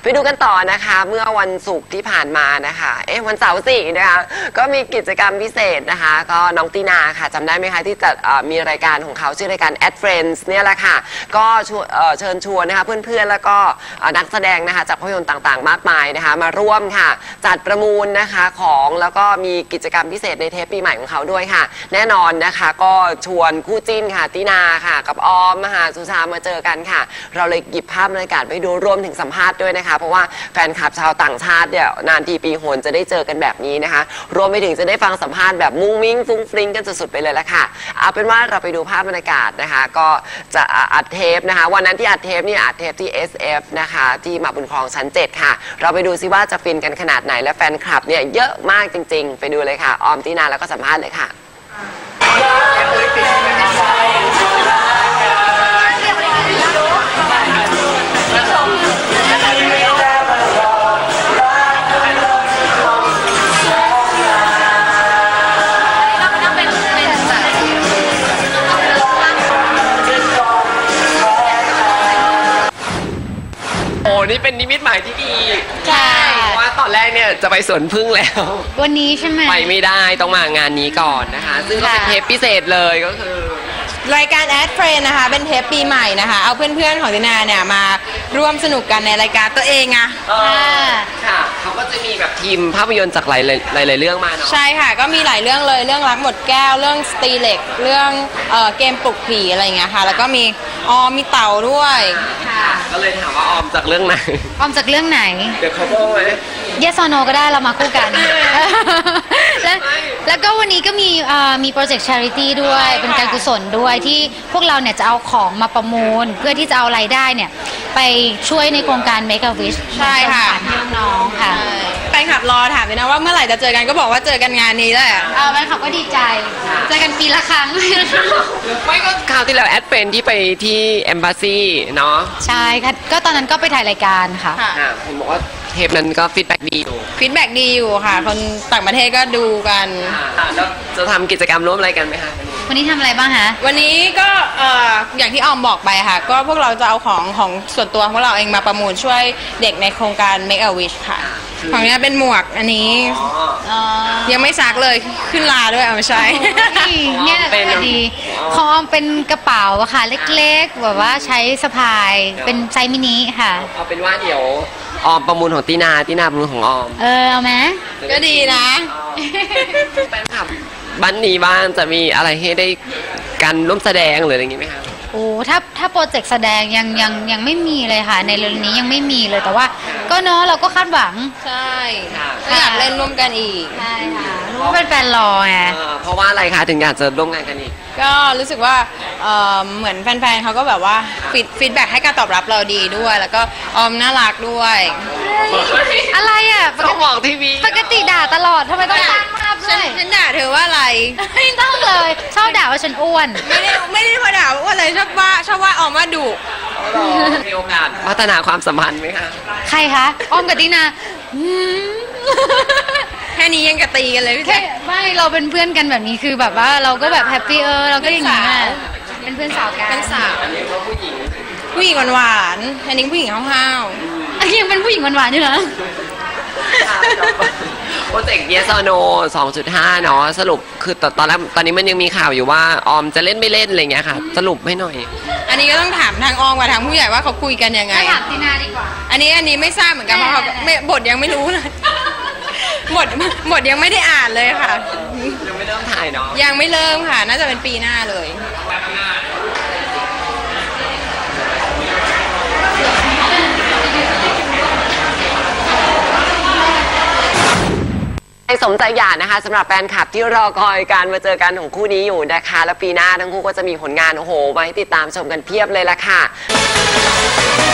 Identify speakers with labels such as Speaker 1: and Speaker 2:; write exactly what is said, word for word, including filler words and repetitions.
Speaker 1: ไปดูกันต่อนะคะเมื่อวันศุกร์ที่ผ่านมานะคะเอ๊ะวันเสาร์สี่นะคะก็มีกิจกรรมพิเศษนะคะก็น้องตีนาค่ะจำได้ไหมคะที่จะมีรายการของเขาชื่อรายการ Ad Friends เนี่ยแหละค่ะก็เชิญชวนนะคะเพื่อนๆแล้วก็นักแสดงนะคะจากภาพยนตร์ต่างๆมากมายนะคะมาร่วมค่ะจัดประมูลนะคะของแล้วก็มีกิจกรรมพิเศษในเทปปีใหม่ของเขาด้วยค่ะแน่นอนนะคะก็ชวนคู่จิ้นค่ะตีนาค่ะกับออมมหาสุชามาเจอกันค่ะเราเลยหยิบภาพบรรยากาศไปดูรวมถึงสัมภาษณ์ด้วยนะคะเพราะว่าแฟนคลับชาวต่างชาติเนี่ยนานทีปีหนจะได้เจอกันแบบนี้นะคะรวมไปถึงจะได้ฟังสัมภาษณ์แบบมุ้งมิ้งฟุ้งฟริ้งกันสุดๆไปเลยละค่ะเอาเป็นว่าเราไปดูภาพบรรยากาศนะคะก็จะอัดเทปนะคะวันนั้นที่อัดเทปนี่อัดเทปที่ เอส เอฟ นะคะที่มาบุญครองชั้นเจ็ดค่ะเราไปดูซิว่าจะฟินกันขนาดไหนและแฟนคลับเนี่ยเยอะมากจริงๆไปดูเลยค่ะออมตีนาแล้วก็สัมภาษณ์เลยค่ะโอ้นี่เป็นนิมิตหมายที่ดีใช่เพราะว่าตอนแรกเนี่ยจะไปสวนพึ่งแล้ว
Speaker 2: วันนี้ใช่ไหม
Speaker 1: ไปไม่ได้ต้องมางานนี้ก่อนนะคะซึ่งก็เป็นเทปพิเศษเลยก็คือ
Speaker 3: รายการ Ad Friends นะคะเป็นเทปปีใหม่นะคะเอาเพื่อนๆของตินาเนี่ยมาร่วมสนุกกันในรายการตัวเองอะ
Speaker 1: ค่ะเขาก็จะมีแบบทีมภาพยนตร์จากหลายหลายเรื่องมาเนาะ
Speaker 3: ใช่ค่ะก็มีหลายเรื่องเลยเรื่องรักหมดแก้วเรื่องสตีเล็กเรื่องเอ่อเกมปลุกผีอะไรอย่างเงี้ยค่ะแล้วก็มีออมมีเต่าด้วย
Speaker 1: ค่ะก็เลยถามว่าออมจากเรื่องไหน
Speaker 2: ออมจากเรื่องไหน
Speaker 1: เดี๋ยวเขาบอกไหม
Speaker 2: Yes or No ก็ได้เรามาคู่กันแล้วแล้วก็วันนี้ก็มีมีโปรเจกต์ charity ด้วยเป็นการกุศลด้วยที่พวกเราเนี่ยจะเอาของมาประมูลเพื่อที่จะเอารายได้เนี่ยไปช่วยในโครงการ Make a Wish
Speaker 3: ใช่ค่ะ
Speaker 2: ให้น้องๆค่ะ
Speaker 3: แฟนคลับรอถามเลยนะว่าเมื่อไหร่จะเจอกันก็บอกว่าเจอกันงานนี้แหละ
Speaker 2: เออแฟนคลับก็ดีใจเจอกันปีละครั้ง
Speaker 1: ไม่ก็คราวที่แล้วแอดเป็นที่ไปที่ Embassy เนาะ
Speaker 2: ใช่ค่ะก็ตอนนั้นก็ไปถ่ายรายการค่ะ
Speaker 1: ผมบอกว่าเทปนั้นก็ฟีดแบ็กดีอยู่
Speaker 3: ฟีดแบ็กดีอยู่ค่ะคนต่างประเทศก็ดูกัน
Speaker 1: แล้วจะทำกิจกรรมร่วมอะไรกันไหมคะ
Speaker 2: วันนี้ทำอะไรบ้างคะ
Speaker 3: วันนี้ก็อย่างที่ออมบอกไปค่ะก็พวกเราจะเอาของของส่วนตัวของเราเองมาประมูลช่วยเด็กในโครงการ Make a Wish ค่ะของนี้เป็นหมวกอันนี้ยังไม่ซักเลยขึ้นลาด้วยเอาไม่ใช่
Speaker 2: เนี่ยเป็นดีของออมเป็นกระเป๋าอะค่ะเล็กๆแบบว่าใช้สะพายเป็นไซส์มินิค่ะ
Speaker 1: เอาเป็นว่าเดี๋ยวออมประมูลของตีนาตีนาประมูลของออม
Speaker 2: เออเอาไหม
Speaker 3: ก็ดีนะ
Speaker 1: แฟนคลับบ้านนี้บ้านจะมีอะไรให้ได้การร่วมแสดงหรืออะไรอย่างงี้ไหมคะ
Speaker 2: โอ้ถ้าถ้าโปรเจกต์แสดงยังยังยังไม่มีเลยค่ะในเรื่องนี้ยังไม่มีเลยแต่ว่าก็เนาะเราก็คาดหวัง
Speaker 3: ใช่ก็อยากเล่นร่วมกันอีก
Speaker 2: ใช่ค่ะรู้ว่าเป็นแฟนรอไง
Speaker 1: เพราะว่าอะไรคะถึงอยากจะร่วมงานกันอีก
Speaker 3: ก็รู้สึกว่าเหมือนแฟนๆเขาก็แบบว่าฟีดแบ็กให้การตอบรับเราดีด้วยแล้วก็ออมน่ารักด้วย
Speaker 2: อะไรอ่ะ
Speaker 1: ต้องบอกทีวี
Speaker 2: ปกติด่าตลอดทำไมต้องสร้างภาพด้วย
Speaker 3: ฉันด่าเธอว่าอะไร
Speaker 2: ไม่ต้องเลยชอบด่าว่าฉันอ้วน
Speaker 3: ไม่ได้ไม่ได้พอด่าว่าอะไรชอบว่าชอบว่าออมว่าดุ
Speaker 1: มีโอกาสพัฒนาความสัมพันธ์ไหมคะ
Speaker 2: ใครคะออมกับตินา
Speaker 3: แค่นี้ยังกระตีกันเลยพี่แค่
Speaker 2: ไม่เราเป็นเพื่อนกันแบบนี้คือแบบว่าเราก็แบบแฮปปี้เออเราก็อย่างนี้เป็นเพื่อนสาวกัน
Speaker 3: เป็นสาว
Speaker 1: อันนี้เขาผู้หญิง
Speaker 3: ผู้หญิงหวานๆอันนี้ผู้หญิงห้าว
Speaker 2: ๆอันนี้ยังเป็นผู้หญิงหวานๆอยู่เหรอ
Speaker 1: โปรเจกต์ Yes or No สองจุดห้า เนาะสรุปคือตอนแรกตอนนี้มันยังมีข่าวอยู่ว่าออมจะเล่นไม่เล่นอะไรเงี้ยค่ะสรุปให้หน่อย
Speaker 3: อันนี้ก็ต้องถามทางออมกับทางผู้ใหญ่ว่าเขาคุยกันยังไง
Speaker 2: ถามตีนาดีกว่า
Speaker 3: อันนี้อันนี้ไม่ทราบเหมือนกันเพราะเขาบทยังไม่รู้เลยบทบทยังไม่ได้อ่านเลยค่ะ
Speaker 1: ยังไม่เริ่มถ่ายเนาะ
Speaker 3: ยังไม่เริ่มค่ะน่าจะเป็นปีหน้าเลย
Speaker 1: สมใจอยากนะคะสำหรับแฟนคลับที่รอคอยการมาเจอกันของคู่นี้อยู่นะคะแล้วปีหน้าทั้งคู่ก็จะมีผลงานโอ้โหมาให้ติดตามชมกันเพียบเลยล่ะค่ะ